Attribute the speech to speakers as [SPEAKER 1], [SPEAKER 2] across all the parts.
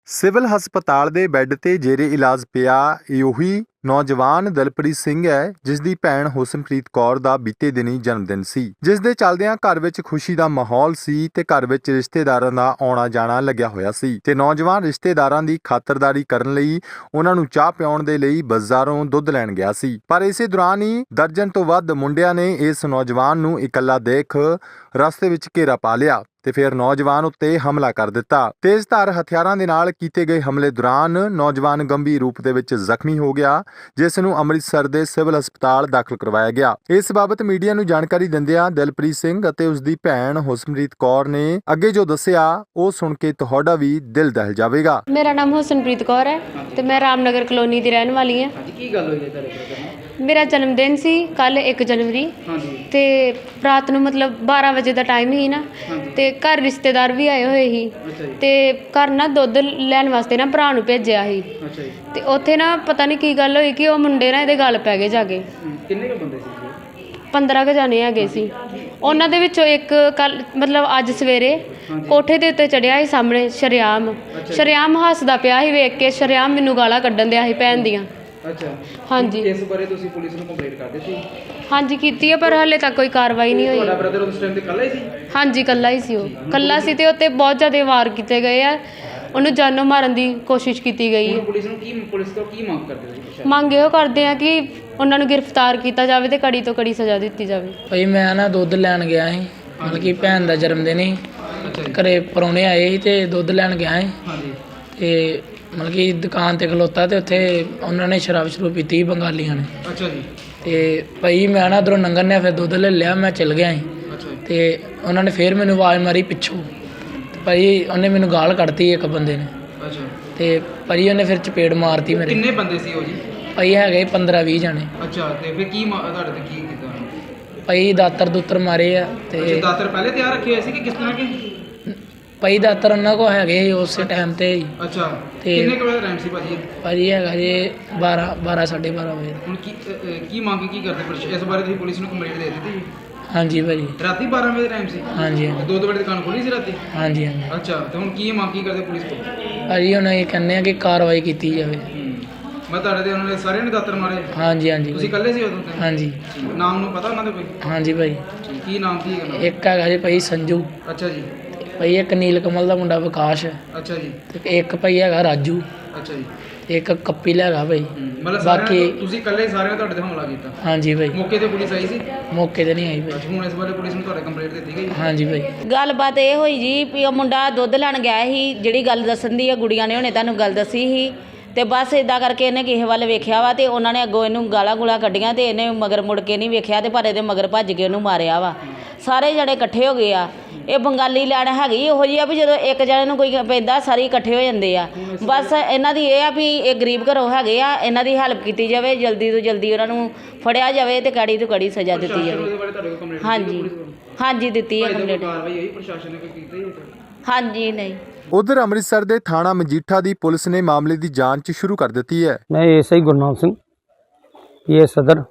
[SPEAKER 1] Civil ਹਸਪਤਾਲ ਦੇ bed ਤੇ ਜੇਰੇ ਇਲਾਜ ਪਿਆ ਇਹੀ ਨੌਜਵਾਨ ਦਿਲਪ੍ਰੀਤ ਸਿੰਘ ਹੈ, ਜਿਸ ਦੀ ਭੈਣ ਹੁਸਨਪ੍ਰੀਤ ਕੌਰ ਦਾ ਬੀਤੇ ਦਿਨੀ ਜਨਮ ਦਿਨ ਸੀ, ਜਿਸ ਦੇ ਚੱਲਦਿਆਂ ਘਰ ਵਿੱਚ ਖੁਸ਼ੀ ਦਾ ਮਾਹੌਲ ਸੀ ਤੇ ਘਰ ਵਿੱਚ ਰਿਸ਼ਤੇਦਾਰਾਂ ਦਾ ਆਉਣਾ ਜਾਣਾ ਲੱਗਿਆ ਹੋਇਆ ਸੀ ਤੇ ਨੌਜਵਾਨ ਰਿਸ਼ਤੇਦਾਰਾਂ ਦੀ ਖਾਤਰਦਾਰੀ ਕਰਨ ਲਈ ਉਹਨਾਂ ਨੂੰ ਚਾਹ ਪਿਆਉਣ ਦੇ ਲਈ ਬਾਜ਼ਾਰੋਂ ਦੁੱਧ ਲੈਣ ਗਿਆ ਸੀ। ਪਰ ਇਸੇ ਦੌਰਾਨ ਹੀ ਦਰਜਨ ਤੋਂ ਵੱਧ ਮੁੰਡਿਆਂ ਨੇ ਇਸ ਨੌਜਵਾਨ ਨੂੰ ਇਕੱਲਾ ਦੇਖ ਰਸਤੇ ਵਿੱਚ ਘੇਰਾ ਪਾ ਲਿਆ ਤੇ ਫਿਰ ਨੌਜਵਾਨ ਉੱਤੇ ਹਮਲਾ ਕਰ ਦਿੱਤਾ। ਤੇਜ਼ਧਾਰ ਹਥਿਆਰਾਂ ਦੇ ਨਾਲ ਕੀਤੇ ਗਏ ਹਮਲੇ ਦੌਰਾਨ ਨੌਜਵਾਨ ਗੰਭੀਰ ਰੂਪ ਦੇ ਵਿੱਚ ਜ਼ਖਮੀ ਹੋ ਗਿਆ, ਜਿਸ ਨੂੰ ਅੰਮ੍ਰਿਤਸਰ ਦੇ ਸਿਵਲ ਹਸਪਤਾਲ ਦਾਖਲ ਕਰਵਾਇਆ ਗਿਆ। ਇਸ ਬਾਬਤ ਮੀਡੀਆ ਨੂੰ ਜਾਣਕਾਰੀ ਦਿੰਦਿਆਂ ਦਿਲਪ੍ਰੀਤ ਸਿੰਘ ਅਤੇ ਉਸ ਦੀ ਭੈਣ ਹੁਸਨਪ੍ਰੀਤ ਕੌਰ ਨੇ ਅੱਗੇ ਜੋ ਦੱਸਿਆ ਉਹ ਸੁਣ ਕੇ ਤੁਹਾਡਾ ਵੀ ਦਿਲ ਦਹਿਲ ਜਾਵੇਗਾ।
[SPEAKER 2] ਮੇਰਾ ਨਾਮ ਹੁਸਨਪ੍ਰੀਤ ਕੌਰ ਹੈ ਤੇ ਮੈਂ ਰਾਮਨਗਰ ਕਲੋਨੀ ਦੀ ਰਹਿਣ ਵਾਲੀ ਹਾਂ।
[SPEAKER 3] ਕੀ ਗੱਲ ਹੋਈ ਹੈ ਤੁਹਾਡੇ ਨਾਲ?
[SPEAKER 2] ਮੇਰਾ ਜਨਮ ਦਿਨ ਸੀ ਕੱਲ 1 ਜਨਵਰੀ ਤੇ ਰਾਤ ਨੂੰ ਮਤਲਬ 12 ਵਜੇ ਦਾ ਟਾਈਮ ਹੀ ਨਾ ਤੇ ਘਰ ਰਿਸ਼ਤੇਦਾਰ ਵੀ ਆਏ ਹੋਏ ਸੀ ਤੇ ਘਰ ਨਾ ਦੁੱਧ ਲੈਣ ਵਾਸਤੇ ਨਾ ਭਰਾ ਨੂੰ ਭੇਜਿਆ ਸੀ ਤੇ ਉੱਥੇ ਨਾ ਪਤਾ ਨਹੀਂ ਕੀ ਗੱਲ ਹੋਈ ਕਿ ਉਹ ਮੁੰਡੇ ਨਾ ਇਹਦੇ ਗਲ ਪੈ ਗਏ ਜਾ ਕੇ।
[SPEAKER 3] ਕਿੰਨੇ ਕੁ ਬੰਦੇ ਸੀ?
[SPEAKER 2] 15 ਕੁ ਜਾਣੇ ਹੈਗੇ ਸੀ। ਉਹਨਾਂ ਦੇ ਵਿੱਚੋਂ ਇੱਕ ਕੱਲ ਮਤਲਬ ਅੱਜ ਸਵੇਰੇ ਕੋਠੇ ਦੇ ਉੱਤੇ ਚੜਿਆ ਸੀ ਸਾਹਮਣੇ ਸ਼ਰੇਆਮ ਹੱਸਦਾ ਪਿਆ ਸੀ, ਵੇਖ ਕੇ ਸ਼ਰੇਆਮ ਮੈਨੂੰ ਗਾਲਾਂ ਕੱਢਣ ਦਿਆ ਸੀ ਭੈਣ ਦੀਆਂ।
[SPEAKER 3] ਅੱਛਾ
[SPEAKER 2] ਹਾਂਜੀ,
[SPEAKER 3] ਇਸ ਬਾਰੇ ਤੁਸੀਂ ਪੁਲਿਸ ਨੂੰ ਕੰਪਲੇਂਟ ਕਰ ਦਿੱਤੀ?
[SPEAKER 2] ਹਾਂਜੀ ਕੀਤੀ ਹੈ ਪਰ ਹਾਲੇ ਤੱਕ ਕੋਈ ਕਾਰਵਾਈ ਨਹੀਂ ਹੋਈ।
[SPEAKER 3] ਤੁਹਾਡਾ ਬ੍ਰਦਰ ਉਸ ਟਾਈਮ ਤੇ ਇਕੱਲਾ ਹੀ ਸੀ?
[SPEAKER 2] ਹਾਂਜੀ ਇਕੱਲਾ ਹੀ ਸੀ, ਉਹ ਇਕੱਲਾ ਸੀ ਤੇ ਉੱਤੇ ਬਹੁਤ ਜ਼ਿਆਦਾ ਵਾਰ ਕੀਤੇ ਗਏ ਆ, ਉਹਨੂੰ ਜਾਨੋਂ ਮਾਰਨ ਦੀ ਕੋਸ਼ਿਸ਼ ਕੀਤੀ ਗਈ ਹੈ।
[SPEAKER 3] ਪੁਲਿਸ ਤੋਂ ਕੀ ਮੰਗ ਕਰਦੇ ਹੋ?
[SPEAKER 2] ਮੰਗ ਇਹੋ ਕਰਦੇ ਆ ਕਿ ਉਹਨਾਂ ਨੂੰ ਗ੍ਰਿਫਤਾਰ ਕੀਤਾ ਜਾਵੇ ਤੇ ਕੜੀ ਤੋਂ ਕੜੀ ਸਜ਼ਾ ਦਿੱਤੀ ਜਾਵੇ।
[SPEAKER 4] ਭਾਈ ਮੈਂ ਨਾ ਦੁੱਧ ਲੈਣ ਗਿਆ ਸੀ, ਮਤਲਬ ਕਿ ਭੈਣ ਦਾ ਜਨਮ ਦਿਨ ਸੀ। ਘਰੇ ਪ੍ਰਾਹੁਣੇ ਆਏ ਸੀ ਤੇ ਦੁੱਧ ਲੈਣ ਗਿਆ ਸੀ ਤੇ ਮਤਲਬ ਕਿ ਦੁਕਾਨ ਤੇ ਖਲੋਤਾ ਤੇ ਉੱਥੇ ਉਹਨਾਂ ਨੇ ਸ਼ਰਾਬ ਪੀਤੀ ਬੰਗਾਲੀਆਂ ਨੇ।
[SPEAKER 3] ਅੱਛਾ ਜੀ।
[SPEAKER 4] ਤੇ ਭਾਈ ਮੈਂ ਨਾ ਉੱਧਰੋਂ ਲੰਘਣ ਡਿਆ, ਫਿਰ ਦੁੱਧ ਲੈ ਲਿਆ, ਮੈਂ ਚਲ ਗਿਆ ਸੀ ਤੇ ਉਹਨਾਂ ਨੇ ਫਿਰ ਮੈਨੂੰ ਆਵਾਜ਼ ਮਾਰੀ ਪਿੱਛੋਂ ਤੇ ਭਾਈ ਉਹਨੇ ਮੈਨੂੰ ਗਾਲ ਕੱਢਤੀ ਇੱਕ ਬੰਦੇ ਨੇ।
[SPEAKER 3] ਅੱਛਾ।
[SPEAKER 4] ਤੇ ਭਾਈ ਉਹਨੇ ਫਿਰ ਚਪੇੜ ਮਾਰਤੀ ਮੇਰੇ।
[SPEAKER 3] ਕਿੰਨੇ ਬੰਦੇ ਸੀ ਉਹ ਜੀ? ਭਾਈ
[SPEAKER 4] ਹੈਗੇ 15-20 ਜਾਣੇ।
[SPEAKER 3] ਅੱਛਾ, ਤੇ ਫਿਰ ਕੀ ਤੁਹਾਡੇ ਤੇ ਕੀ ਕੀਤਾ?
[SPEAKER 4] ਭਾਈ ਦਾਤਰ ਮਾਰੇ ਆ ਤੇ
[SPEAKER 3] ਦਾਤਰ ਪਹਿਲੇ ਤਿਆਰ ਰੱਖੇ ਹੋਏ ਸੀ ਕਿ ਕਿਸ ਤਰ੍ਹਾਂ ਕਿ?
[SPEAKER 4] ਭਾਈ ਦਾਤਰ ਉਹਨਾਂ ਕੋਲ ਹੈਗੇ ਉਸੇ ਟਾਈਮ ਤੇ।
[SPEAKER 3] ਅੱਛਾ,
[SPEAKER 4] ਤੇ
[SPEAKER 3] ਕਿੰਨੇ ਕੁ ਵਜੇ ਦਾ ਟਾਈਮ ਸੀ ਭਾਜੀ?
[SPEAKER 4] ਹੈਗਾ ਜੀ 12-12:30 ਵਜੇ।
[SPEAKER 3] ਹੁਣ ਕੀ ਮੰਗ ਕੀ ਕਰਦੇ ਇਸ ਬਾਰੇ? ਤੁਸੀਂ ਪੁਲਿਸ ਨੂੰ ਕੰਪਲੇਂਟ ਦੇ ਦਿੱਤੀ?
[SPEAKER 4] ਹਾਂਜੀ ਭਾਜੀ।
[SPEAKER 3] ਰਾਤੀ 12 ਵਜੇ ਦਾ ਟਾਈਮ ਸੀ?
[SPEAKER 4] ਹਾਂਜੀ।
[SPEAKER 3] 2 ਵਜੇ ਦੁਕਾਨ ਖੋਲੀ ਸੀ ਰਾਤੀ?
[SPEAKER 4] ਹਾਂਜੀ।
[SPEAKER 3] ਅੱਛਾ, ਤੇ ਹੁਣ ਕੀ ਮੰਗ ਕੀ ਕਰਦੇ ਪੁਲਿਸ ਕੋਲ?
[SPEAKER 4] ਭਾਜੀ ਹੁਣ ਇਹ ਕਹਿੰਦੇ ਆ ਕਿ ਕਾਰਵਾਈ ਕੀਤੀ ਜਾਵੇ।
[SPEAKER 3] ਮੈਂ ਤੁਹਾਡੇ ਤੇ ਉਹਨਾਂ ਨੇ ਸਾਰਿਆਂ ਨੇ ਦਾਤਰ ਮਾਰੇ?
[SPEAKER 4] ਹਾਂਜੀ।
[SPEAKER 3] ਤੁਸੀਂ ਇਕੱਲੇ ਸੀ ਉਦੋਂ?
[SPEAKER 4] ਹਾਂਜੀ।
[SPEAKER 3] ਨਾਮ ਨੂੰ ਪਤਾ ਉਹਨਾਂ ਦੇ ਕੋਈ?
[SPEAKER 4] ਹਾਂਜੀ ਭਾਈ।
[SPEAKER 3] ਕੀ ਨਾਮ ਸੀ?
[SPEAKER 4] ਇੱਕ ਹੈਗਾ ਜੀ ਭਾਈ ਸੰਜੂ।
[SPEAKER 3] ਅੱਛਾ ਜੀ।
[SPEAKER 4] ਭਾਈ ਇੱਕ ਨੀਲ ਕਮਲ ਦਾ ਮੁੰਡਾ ਵਿਕਾਸ ਹੈ।
[SPEAKER 3] ਅੱਛਾ ਜੀ।
[SPEAKER 4] ਤੇ ਇੱਕ ਭਾਈ ਹੈਗਾ ਰਾਜੂ।
[SPEAKER 3] ਅੱਛਾ ਜੀ।
[SPEAKER 4] ਇੱਕ ਕੱਪੀ ਹੈਗਾ ਭਾਈ।
[SPEAKER 3] ਮਤਲਬ
[SPEAKER 4] ਬਾਕੀ
[SPEAKER 3] ਤੁਸੀਂ ਇਕੱਲੇ ਸਾਰਿਆਂ ਤੁਹਾਡੇ ਤੇ ਹਮਲਾ ਕੀਤਾ?
[SPEAKER 4] ਹਾਂਜੀ ਭਾਈ।
[SPEAKER 3] ਮੌਕੇ ਤੇ ਪੁਲਿਸ ਆਈ ਸੀ?
[SPEAKER 4] ਮੌਕੇ ਤੇ ਨਹੀਂ ਆਈ ਭਾਈ।
[SPEAKER 3] ਹੁਣ ਇਸ ਬਾਰੇ ਪੁਲਿਸ ਨੂੰ ਤੁਹਾਡੇ ਕੰਪਲੇਂਟ ਦਿੱਤੀ ਗਈ?
[SPEAKER 4] ਹਾਂਜੀ ਭਾਈ।
[SPEAKER 5] ਗੱਲਬਾਤ ਇਹ ਹੋਈ ਜੀ ਵੀ ਉਹ ਮੁੰਡਾ ਦੁੱਧ ਲੈਣ ਗਿਆ ਸੀ, ਜਿਹੜੀ ਗੱਲ ਦੱਸਣ ਦੀ ਆ ਗੁੜੀਆਂ ਨੇ ਹੁਣੇ ਤੁਹਾਨੂੰ ਗੱਲ ਦੱਸੀ ਸੀ ਤੇ ਬਸ ਇਦਾਂ ਕਰਕੇ ਇਹਨੇ ਕਿਸੇ ਵੱਲ ਵੇਖਿਆ ਵਾ ਤੇ ਉਹਨਾਂ ਨੇ ਅੱਗੋਂ ਇਹਨੂੰ ਗਾਲਾਂ ਗੂਲਾਂ ਕੱਢੀਆਂ ਤੇ ਇਹਨੇ ਮਗਰ ਮੁੜ ਕੇ ਨਹੀਂ ਵੇਖਿਆ ਤੇ ਪਰ ਇਹਦੇ ਮਗਰ ਭੱਜ ਕੇ ਉਹਨੂੰ ਮਾਰਿਆ ਵਾ। ਸਾਰੇ ਜਣੇ ਇਕੱਠੇ ਹੋ ਗਏ ਆ। ਇਹ ਬੰਗਾਲੀ ਲੈਣ ਹੈਗੀ ਇਹੋ ਜਿਹੀ ਆ ਵੀ ਜਦੋਂ ਇੱਕ ਜਣੇ ਨੂੰ ਕੋਈ ਪੈਂਦਾ ਸਾਰੇ ਇਕੱਠੇ ਹੋ ਜਾਂਦੇ ਆ। ਬਸ ਇਹਨਾਂ ਦੀ ਇਹ ਆ ਵੀ ਇਹ ਗਰੀਬ ਘਰੋਂ ਹੈਗੇ ਆ, ਇਹਨਾਂ ਦੀ ਹੈਲਪ ਕੀਤੀ ਜਾਵੇ, ਜਲਦੀ ਤੋਂ ਜਲਦੀ ਉਹਨਾਂ ਨੂੰ ਫੜਿਆ ਜਾਵੇ ਤੇ ਕੜੀ ਤੋਂ ਕੜੀ ਸਜ਼ਾ ਦਿੱਤੀ ਜਾਵੇ। ਹਾਂਜੀ ਦਿੱਤੀ ਹੈ ਕੰਪਲੇਂਟ।
[SPEAKER 3] ਕਾਰਵਾਈ ਹੋਈ ਪ੍ਰਸ਼ਾਸਨ ਨੇ ਕੋਈ ਕੀਤੀ?
[SPEAKER 5] ਹਾਂਜੀ ਨਹੀਂ।
[SPEAKER 1] ਉਧਰ ਅੰਮ੍ਰਿਤਸਰ ਦੇ ਥਾਣਾ ਮਜੀਠਾ ਦੀ ਪੁਲਿਸ ਨੇ ਮਾਮਲੇ ਦੀ ਜਾਂਚ ਸ਼ੁਰੂ ਕਰ ਦਿੱਤੀ ਹੈ।
[SPEAKER 6] ਮੈਂ ਐਸਆਈ ਗੁਰਨਾਮ ਸਿੰਘ ਪੀਏ ਸਦਰ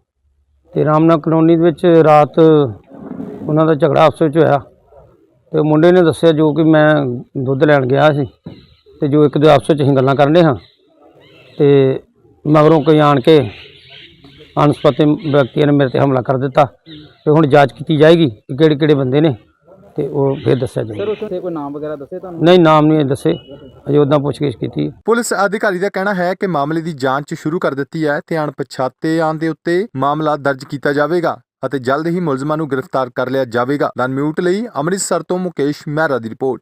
[SPEAKER 6] ਤੇ ਰਾਮਨਗਰ ਕਲੋਨੀ ਦੇ ਵਿੱਚ ਰਾਤ ਉਹਨਾਂ ਦਾ ਝਗੜਾ ਆਪਸ ਵਿੱਚ ਹੋਇਆ ਤੇ ਮੁੰਡੇ ਨੇ ਦੱਸਿਆ ਜੋ ਕਿ ਮੈਂ ਦੁੱਧ ਲੈਣ ਗਿਆ ਸੀ ਤੇ ਜੋ ਇੱਕ ਦੋ ਆਪਸ ਵਿੱਚ ਅਸੀਂ ਗੱਲਾਂ ਕਰਨ ਰਹੇ ਹਾਂ ਤੇ ਮਗਰੋਂ ਕੋਈ ਆਣ ਕੇ ਅਣਸੁਖਾਵੇ ਵਿਅਕਤੀਆਂ ਨੇ ਮੇਰੇ ਤੇ ਹਮਲਾ ਕਰ ਦਿੱਤਾ ਤੇ ਹੁਣ ਜਾਂਚ ਕੀਤੀ ਜਾਏਗੀ ਕਿ ਕਿਹੜੇ ਕਿਹੜੇ ਬੰਦੇ ਨੇ ਤੇ ਉਹ ਫਿਰ ਦੱਸਿਆ ਜਾਏਗਾ।
[SPEAKER 3] ਸਰ ਉੱਥੇ ਕੋਈ ਨਾਮ ਵਗੈਰਾ ਦੱਸੇ ਤੁਹਾਨੂੰ?
[SPEAKER 6] ਨਹੀਂ, ਨਾਮ ਨਹੀਂ ਦੱਸੇ, ਅਜੇ ਉੱਦਾਂ ਪੁੱਛਗਿੱਛ ਕੀਤੀ।
[SPEAKER 1] ਪੁਲਿਸ ਅਧਿਕਾਰੀ ਦਾ ਕਹਿਣਾ ਹੈ ਕਿ ਮਾਮਲੇ ਦੀ ਜਾਂਚ ਸ਼ੁਰੂ ਕਰ ਦਿੱਤੀ ਹੈ ਤੇ ਅਣਪਛਾਤਿਆਂ ਦੇ ਉੱਤੇ ਮਾਮਲਾ ਦਰਜ ਕੀਤਾ ਜਾਵੇਗਾ ਅਤੇ ਜਲਦ ਹੀ ਮੁਲਜ਼ਮਾਂ ਨੂੰ ਗ੍ਰਿਫਤਾਰ ਕਰ ਲਿਆ ਜਾਵੇਗਾ। ਦਨ ਮਿਊਟ ਲਈ ਅੰਮ੍ਰਿਤਸਰ ਤੋਂ ਮੁਕੇਸ਼ ਮਹਿਰਾ ਦੀ ਰਿਪੋਰਟ।